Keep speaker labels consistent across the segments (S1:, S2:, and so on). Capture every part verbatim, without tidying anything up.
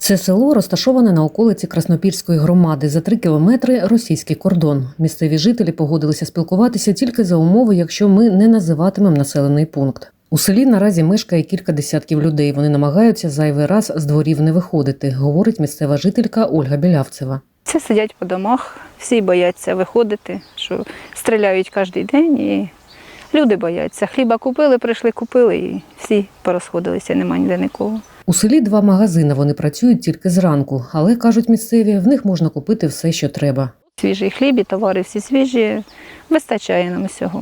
S1: Це село розташоване на околиці Краснопільської громади. За три кілометри – російський кордон. Місцеві жителі погодилися спілкуватися тільки за умови, якщо ми не називатимемо населений пункт. У селі наразі мешкає кілька десятків людей. Вони намагаються зайвий раз з дворів не виходити, говорить місцева жителька Ольга Білявцева.
S2: Це сидять по домах, всі бояться виходити, що стріляють кожен день і люди бояться. Хліба купили, прийшли, купили і всі порозходилися, нема ніде нікого.
S1: У селі два магазини, вони працюють тільки зранку, але, кажуть місцеві, в них можна купити все, що треба.
S2: Свіжий хліб і товари всі свіжі, вистачає нам усього.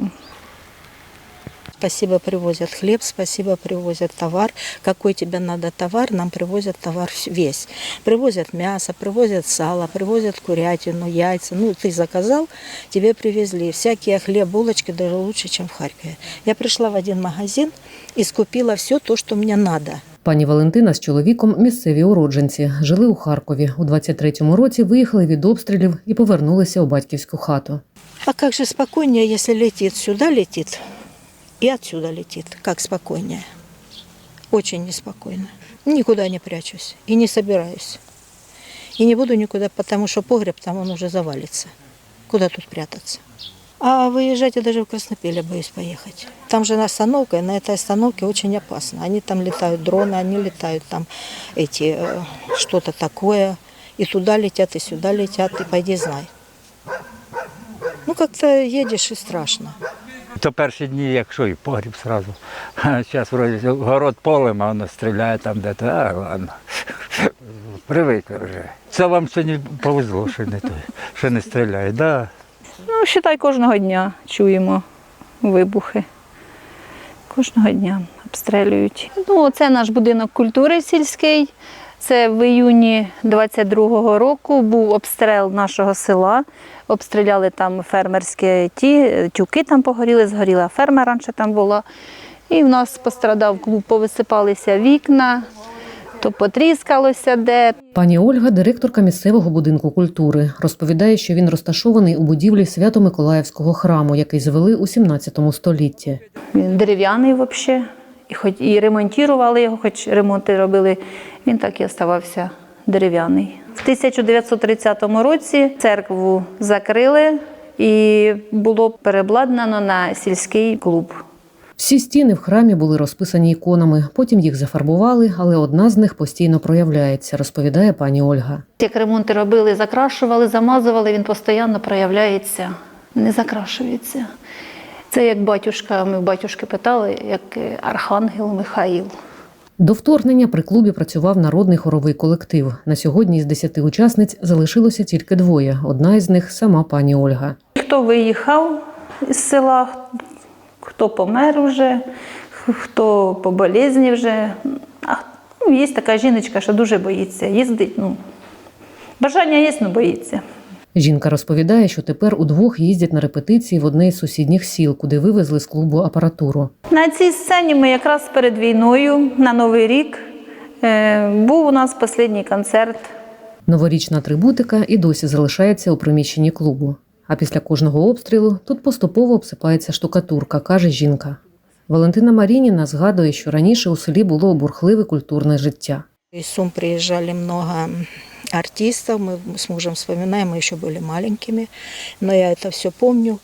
S3: Спасибо, привозят хлеб, спасибо, привозят товар. Какой тебе надо товар, нам привозят товар весь. Привозят мясо, привозят сало, привозят курятину, яйца. Ну, ты заказал, тебе привезли. Всякие хлеб, булочки даже лучше, чем в Харькове. Я пришла в один магазин и скупила все то, что мне надо.
S1: Пані Валентина з чоловіком – місцеві уродженці. Жили у Харкові. У двадцять третьому році виїхали від обстрілів і повернулися у батьківську хату.
S3: А как же спокойнее, если летит, сюда летит и отсюда летит. Как спокойнее. Очень неспокойно. Никуда не прячусь и не собираюсь. И не буду никуда, потому что погреб там он уже завалится. Куда тут прятаться? А выезжать я даже в Краснопиль боюсь поехать. Там же остановка, и на этой остановке очень опасно. Они там летают дроны, они летают там эти, э, что-то такое. И туда летят, и сюда летят, и пойди знай. Ну, как-то едешь и страшно.
S4: То перші дні, якщо і погріб одразу. Зараз вроді город полем, а воно стріляє там де-то. А, ладно. Привикли вже. Це вам сьогодні повезло, що не, що не стріляє. Да.
S2: Ну, вважай, кожного дня чуємо вибухи. Кожного дня обстрілюють. Ну, це наш будинок культури сільський. Це в іюні двадцять другого року був обстріл нашого села. Обстріляли там фермерські ті, тюки там погоріли, згоріла ферма раніше там була. І в нас пострадав клуб, повисипалися вікна, то потріскалося де.
S1: Пані Ольга – директорка місцевого будинку культури. Розповідає, що він розташований у будівлі Свято-Миколаївського храму, який звели у сімнадцятому столітті.
S2: Він дерев'яний взагалі, і хоч і ремонтували його, хоч ремонти робили, він так і залишався дерев'яний. В тисяча дев'ятсот тридцятому році церкву закрили і було переобладнано на сільський клуб.
S1: Всі стіни в храмі були розписані іконами, потім їх зафарбували, але одна з них постійно проявляється, розповідає пані Ольга.
S2: Як ремонти робили, закрашували, замазували, він постійно проявляється, не закрашується. Це як батюшка, ми в батюшки питали, як архангел Михаїл.
S1: До вторгнення при клубі працював народний хоровий колектив. На сьогодні із десяти учасниць залишилося тільки двоє. Одна із них – сама пані Ольга.
S2: Хто виїхав із села, хто помер вже, хто по болезні вже. А, ну, є така жіночка, що дуже боїться їздить. Ну, бажання є, але боїться.
S1: Жінка розповідає, що тепер удвох їздять на репетиції в одне із сусідніх сіл, куди вивезли з клубу апаратуру.
S2: На цій сцені ми якраз перед війною, на Новий рік, був у нас останній концерт.
S1: Новорічна атрибутика і досі залишається у приміщенні клубу. А після кожного обстрілу тут поступово обсипається штукатурка, каже жінка. Валентина Марініна згадує, що раніше у селі було бурхливе культурне життя.
S3: Из Сум приезжали много артистов, мы с мужем вспоминаем, мы еще были маленькими, но я это все помню,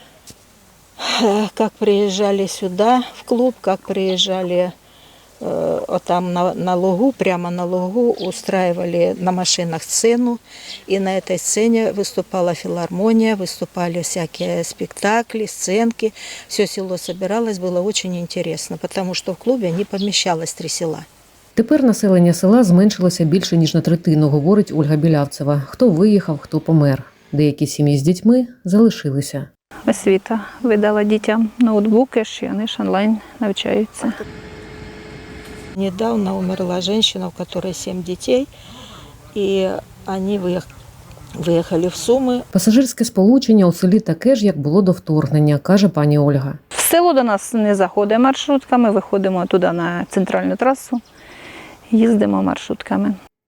S3: как приезжали сюда в клуб, как приезжали э, там на, на лугу, прямо на лугу устраивали на машинах сцену, и на этой сцене выступала филармония, выступали всякие спектакли, сценки, все село собиралось, было очень интересно, потому что в клубе не помещалось три села.
S1: Тепер населення села зменшилося більше, ніж на третину, говорить Ольга Білявцева. Хто виїхав, хто помер. Деякі сім'ї з дітьми залишилися.
S2: Освіта видала дітям ноутбуки, і вони ж онлайн навчаються.
S3: Недавно умерла женщина, у которой семь детей, и они виїхали в Суми.
S1: Пасажирське сполучення у селі таке ж, як було до вторгнення, каже пані Ольга.
S2: В село до нас не заходить маршрутка, ми виходимо туди на центральну трасу, їздимо маршрутками.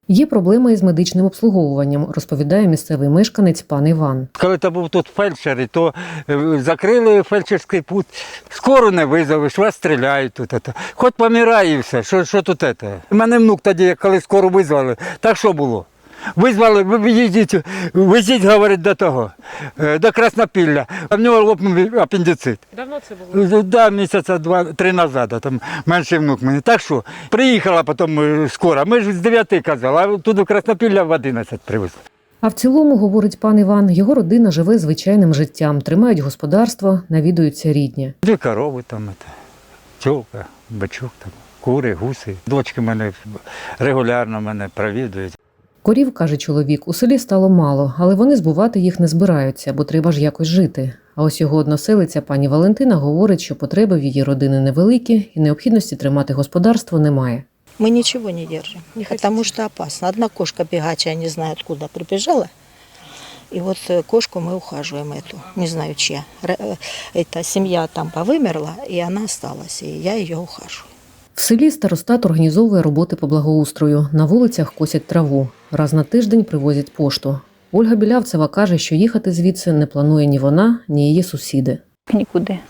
S1: Є проблема із медичним обслуговуванням, розповідає місцевий мешканець пан Іван.
S4: Коли то був тут фельдшер, то е, закрили фельдшерський пункт, скоро не визовеш, вас стріляють тут. ето. Хоч помирай і все, що, що тут це? У мене внук тоді, коли скоро визвали, так що було? Визвали, ви їдіть, везіть, говорить, до того, е, до Краснопілля, а в нього лопнув апендицит.
S1: Давно це було?
S4: Да, місяця два-три назад, а там менший внук мені. Так що, приїхала потім е, скоро, ми ж з дев'яти казали, а тут до Краснопілля в одинадцять привезли.
S1: А в цілому, говорить пан Іван, його родина живе звичайним життям, тримають господарство, навідуються рідні.
S4: Дві корови там, тьовка, бачок, там, кури, гуси. Дочки мене регулярно мене провідують.
S1: Корів, каже чоловік, у селі стало мало, але вони збувати їх не збираються, бо треба ж якось жити. А ось його односелиця пані Валентина говорить, що потреби в її родини невеликі і необхідності тримати господарство немає.
S3: Мы ничего не держим, потому что опасно. Одна кошка бегачая, не знаю откуда, прибежала. И вот э, кошку мы ухаживаем эту, не знаю чья. Р- э, Эта семья там повымерла, и она осталась, и я ее ухаживаю.
S1: В селі старостат організовує роботи по благоустрою. На вулицях косять траву. Раз на тиждень привозять пошту. Ольга Білявцева каже, що їхати звідси не планує ні вона, ні її сусіди.
S2: Нікуди.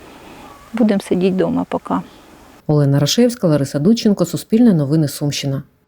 S2: Будемо сидіти вдома поки.
S1: Олена Рашевська, Лариса Дудченко, Суспільне новини Сумщина.